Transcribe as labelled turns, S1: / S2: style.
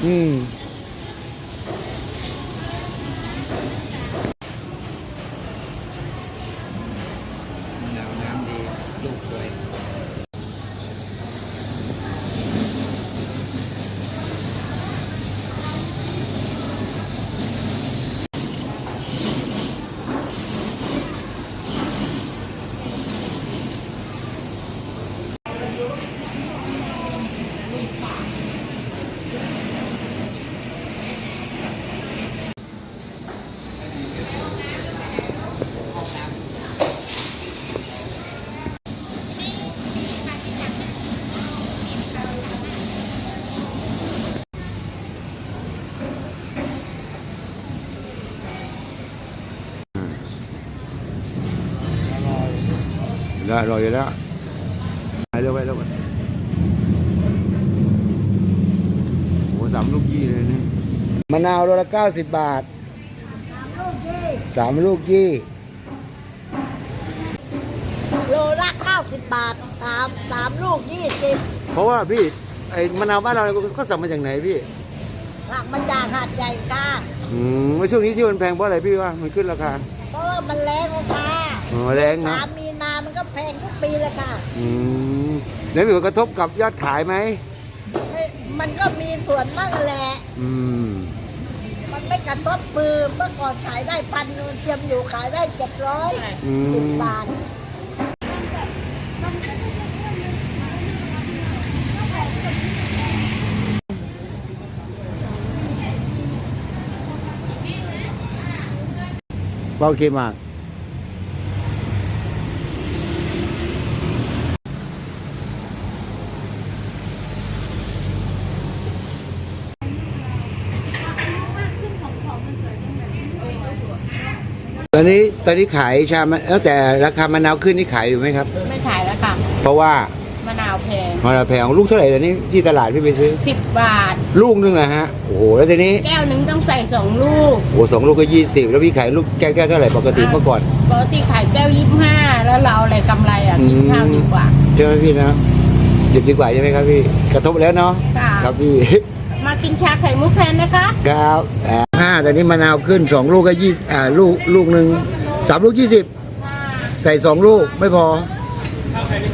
S1: มะนาวน้ำดีลูกสวย
S2: อร่อยอยู่แล้วไปเร็วไปเร็วโอ้3 ลูกยี่เลยนี่มะนาวโลละ90 บาท3 ลูกยี่
S3: โลละ90 บาท3 ลูก 20
S2: เพราะว่าพี่ไอ้มะนาวบ้านเราก็สั่งมาจากไหนพี่
S3: สั่งมาจากหาดใหญ่ค่ะ
S2: ว่าช่วงนี้ที่มันแพงเพราะอะไรพี่ว่ามันขึ้นราคา
S3: เพราะว่ามันแรงค่ะ
S2: อ๋อแรงนะ
S3: 3 มีนามันก็แพงทุกปีเลยค่ะ
S2: แล้วมีผลกระทบกับยอดขายไหม
S3: มันก็มีส่วนบ้างแหละมันไม่กระทบมือเมื่อก่อนขายได้1,000เทียมอยู่ขายได้710 บาท
S2: โอเคมากตอนนี้ขายชาแล้วแต่ราคามะนาวขึ้นนี่ขายอยู่ไหมครับ
S3: ไม่ขายแล้วค่ะ
S2: เพราะว่าม
S3: ะนาวแพง
S2: มะนาวแพงลูกเท่าไหร่ตอนนี้ที่ตลาดพี่ไปซื้อ
S3: 10 บาท
S2: ลูกนึงนะฮะโอ้โหแล้วทีนี้
S3: แก้วหนึ่งต้องใส่2 ลูก
S2: โอ้2 ลูกก็20แล้วพี่ขายลูกแก้วเท่าไหร่ปกติเมื่อก่อน
S3: ปกติขายแก้ว25แล้วเราอะไรกำไรกินข้าวดีกว่า
S2: ใช่ไหมพี่นะหยุดดีกว่าใช่ไหมครับพี่กระทบแล้วเนาะ
S3: ค่ะ
S2: ครับพี่
S3: มากินชาไข่มุกแทนนะคะ
S2: ครับตอนนี้มะนาวขึ้น2 ลูกก็ลูกหนึ่ง3 ลูก 20ใส่2 ลูกไม่พอ